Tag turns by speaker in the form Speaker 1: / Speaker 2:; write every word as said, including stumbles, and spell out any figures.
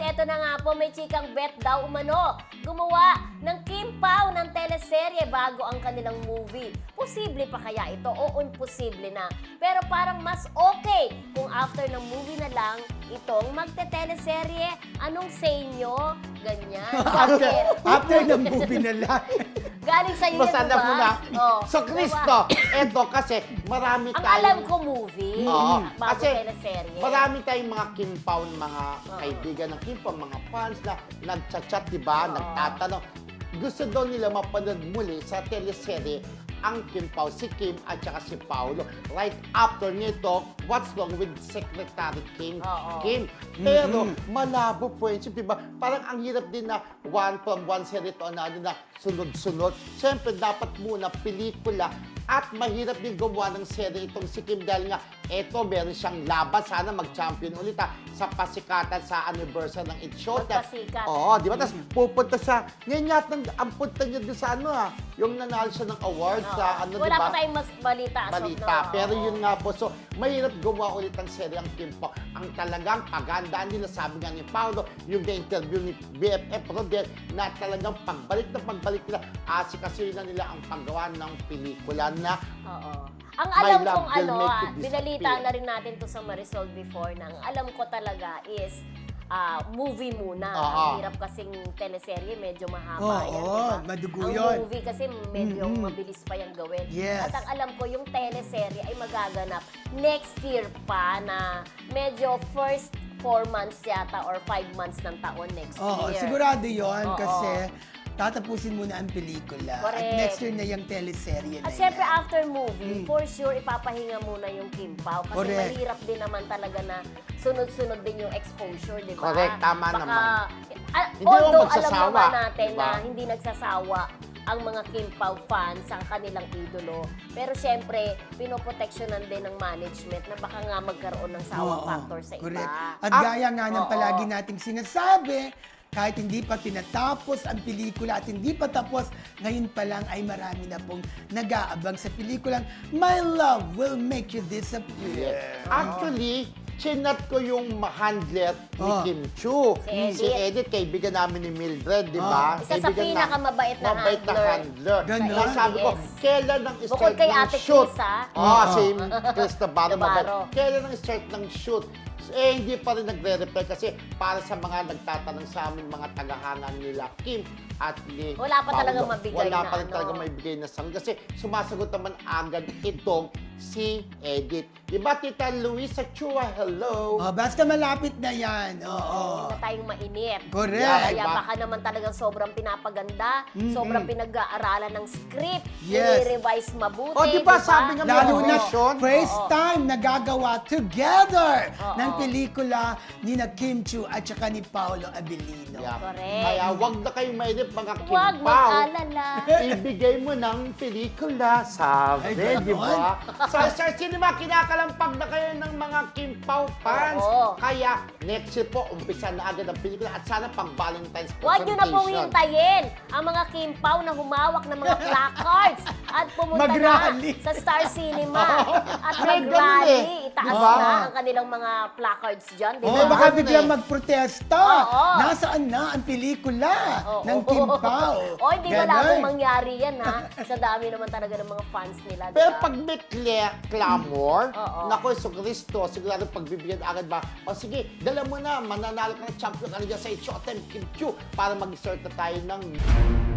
Speaker 1: eto na nga po, may chikang bet daw umano. Gumawa ng Kim Pao ng teleserye bago ang kanilang movie. Posible pa kaya ito o imposible na? Pero parang mas okay kung after ng movie na lang itong magte-teleserye. Anong say nyo? Ganyan.
Speaker 2: after,
Speaker 1: Bakit?
Speaker 2: after ng movie na lang.
Speaker 1: Galing sa'yo yan,
Speaker 3: Masala
Speaker 1: diba?
Speaker 3: mo na.
Speaker 1: Oh,
Speaker 3: So, Cristo, eto kasi marami
Speaker 1: ang
Speaker 3: tayong...
Speaker 1: alam ko movie,
Speaker 3: Oo.
Speaker 1: bago
Speaker 3: Kasi
Speaker 1: teleserye.
Speaker 3: marami tayong mga Kim Pao, mga
Speaker 1: Oo.
Speaker 3: kaibigan ng Kim Pao, mga fans na nagchat-chat, di ba?
Speaker 1: Oo.
Speaker 3: Nagtatanong. Gusto daw nila mapanood muli sa teleserye ang Kim Pao, si Kim at saka si Paolo. Right after nito, what's wrong with Secretary Kim?
Speaker 1: Oo.
Speaker 3: Kim. Pero malabo friendship, di ba? Parang ang hirap din na one from one series to another na sunod-sunod. Siyempre, dapat muna pelikula at mahirap din gumawa ng serye itong si Kim dahil nga eto, meron siyang laban. Sana mag-champion ulit ha, sa pasikatan sa anniversary ng It's Showtime.
Speaker 1: Magpasikat.
Speaker 3: Oo, di ba? Tapos pupunta siya, ngayon yata ang punta niya doon sa ano ha, yung nanalo siya ng award
Speaker 1: Oo.
Speaker 3: sa ano, di
Speaker 1: Wala
Speaker 3: ba?
Speaker 1: pa tayong mas balita. as of
Speaker 3: balita.
Speaker 1: now.
Speaker 3: Pero
Speaker 1: Oo.
Speaker 3: yun nga po, so mahirap gumawa ulit ang serye ang Kim Pao. Ang talagang pagandaan nila, sabi nga ni Paolo, yung na-interview ni B F F Rodel, na talagang pagbalik na pagbalik nila, asikasuhin na nila ang paggawa ng pelikula na
Speaker 1: Oo. Ang
Speaker 3: My
Speaker 1: alam
Speaker 3: love
Speaker 1: kong
Speaker 3: will
Speaker 1: ano,
Speaker 3: make you
Speaker 1: ah,
Speaker 3: disappear.
Speaker 1: binalita na rin natin to sa Marisol before, nang alam ko talaga is ah, movie muna.
Speaker 3: Oo.
Speaker 1: Ang hirap kasing teleserye, medyo mahaba
Speaker 2: Oo,
Speaker 1: yan. diba?
Speaker 2: madugo
Speaker 1: ang
Speaker 2: yun.
Speaker 1: movie kasi medyo
Speaker 2: Mm-mm.
Speaker 1: mabilis pa yung gawin.
Speaker 2: Yes.
Speaker 1: At ang alam ko, yung teleserye ay magaganap next year pa na medyo first four months yata or five months ng taon next
Speaker 2: Oo,
Speaker 1: year.
Speaker 2: sigurado yon
Speaker 1: Oo.
Speaker 2: kasi tatapusin muna ang pelikula. At
Speaker 1: Correct.
Speaker 2: next year na yung teleserye na
Speaker 1: At syempre,
Speaker 2: yan.
Speaker 1: after movie, for sure, ipapahinga muna yung Kim Pao. Kasi
Speaker 2: Correct.
Speaker 1: mahirap din naman talaga na sunod-sunod din yung exposure, di ba?
Speaker 3: Correct, tama
Speaker 1: Baka,
Speaker 3: naman.
Speaker 1: Ah,
Speaker 3: Hindi
Speaker 1: although,
Speaker 3: naman
Speaker 1: alam
Speaker 3: magsasawa,
Speaker 1: naman natin
Speaker 3: di
Speaker 1: na
Speaker 3: ba?
Speaker 1: hindi nagsasawa ang mga Kim Pao fans ang kanilang idolo. Pero syempre, pinoproteksyonan din ng management na baka nga magkaroon ng sawa
Speaker 2: Oo,
Speaker 1: factor sa
Speaker 2: correct.
Speaker 1: iba.
Speaker 2: At
Speaker 3: Ah,
Speaker 2: gaya nga ng
Speaker 1: oo.
Speaker 2: palagi nating sinasabi, kahit hindi pa tinatapos ang pelikula at hindi pa tapos, ngayon pa lang ay marami na pong nag-aabang sa pelikulang My Love Will Make You Disappear.
Speaker 3: Actually, chinat ko yung handler ni
Speaker 2: Oh.
Speaker 3: Kim Chu.
Speaker 1: Si
Speaker 3: Si
Speaker 1: Edith.
Speaker 3: Edith, kaibigan namin ni Mildred, di ba?
Speaker 1: Isa sa
Speaker 3: Kaibigan na-
Speaker 1: pinakamabait na
Speaker 3: mabait na
Speaker 1: handler.
Speaker 3: handler.
Speaker 2: Ganon.
Speaker 3: Kaya sabi ko,
Speaker 1: Yes.
Speaker 3: kailan ang
Speaker 1: Bukod
Speaker 3: start
Speaker 1: kay
Speaker 3: ng
Speaker 1: Ate
Speaker 3: shoot?
Speaker 1: Chris, ha?
Speaker 3: Oo,
Speaker 2: Oo.
Speaker 3: si Chris Navarro. mabait.
Speaker 1: Navarro.
Speaker 3: Kailan ang start ng shoot? Eh, hindi pa rin nagre-reply kasi para sa mga nagtatanong sa amin, mga tagahanga nila, Kim at ni
Speaker 1: Wala pa
Speaker 3: Paolo,
Speaker 1: talagang mabigay
Speaker 3: Wala
Speaker 1: na
Speaker 3: pa rin
Speaker 1: ano.
Speaker 3: talagang may bigay na sagot. Kasi sumasagot naman agad itong si Edith. Di ba, Tita Luisa Chua? Hello!
Speaker 2: Oh, basta malapit na yan. Oo.
Speaker 1: Hindi na tayong mainit.
Speaker 2: Correct.
Speaker 1: Kaya
Speaker 3: Diba?
Speaker 1: baka naman talagang sobrang pinapaganda,
Speaker 2: Mm-mm.
Speaker 1: sobrang pinag-aaralan ng script,
Speaker 2: Yes.
Speaker 1: i-revise mabuti.
Speaker 3: O, diba, sabi nga
Speaker 2: Lalo
Speaker 3: Oo.
Speaker 2: na
Speaker 3: Vision.
Speaker 2: first
Speaker 1: Oo.
Speaker 2: time nagagawa together
Speaker 1: Oo.
Speaker 2: ng pelikula ni na Kim Chu at saka ni Paolo Abilino.
Speaker 3: Yeah.
Speaker 1: Correct.
Speaker 3: Kaya wag na kayong mainip mga Kim
Speaker 1: Huwag
Speaker 3: Pao.
Speaker 1: mag-alala.
Speaker 3: Ibigay mo ng pelikula, sabi,
Speaker 2: Ay,
Speaker 3: di
Speaker 2: ganon.
Speaker 3: ba? Sa Star Cinema, kinakalampag na kayo ng mga Kim Pao fans.
Speaker 1: Oo.
Speaker 3: Kaya, next year po, umpisa na agad ang pelikula at sana pang Valentine's
Speaker 1: Huwag nyo na pong
Speaker 3: presentation.
Speaker 1: hintayin ang mga Kim Pao na humawak ng mga placards at pumunta
Speaker 2: Mag-rally.
Speaker 1: na sa Star Cinema at
Speaker 3: May ganun
Speaker 1: mag-rally.
Speaker 3: eh.
Speaker 1: Itaas
Speaker 3: Diba?
Speaker 1: na ang kanilang mga placards dyan. Di
Speaker 2: Oh,
Speaker 1: ba?
Speaker 2: baka
Speaker 3: Ganun
Speaker 2: biglang
Speaker 3: eh.
Speaker 2: magprotesta.
Speaker 1: Oo.
Speaker 2: Nasaan na ang pelikula
Speaker 1: Oo.
Speaker 2: ng Kim Pao?
Speaker 1: O, hindi
Speaker 2: Ganon.
Speaker 1: malabong mangyari yan, ha? Sa dami naman talaga ng mga fans nila. di
Speaker 3: Pero
Speaker 1: ba?
Speaker 3: pag may cla- clamor,
Speaker 1: Oo.
Speaker 3: naku, so Cristo, sigurado pagbibigyan agad ba, o sige, dala mo na, mananalo ka ng champion ka na dyan sa Showtime Kim Chu para mag-start na tayo ng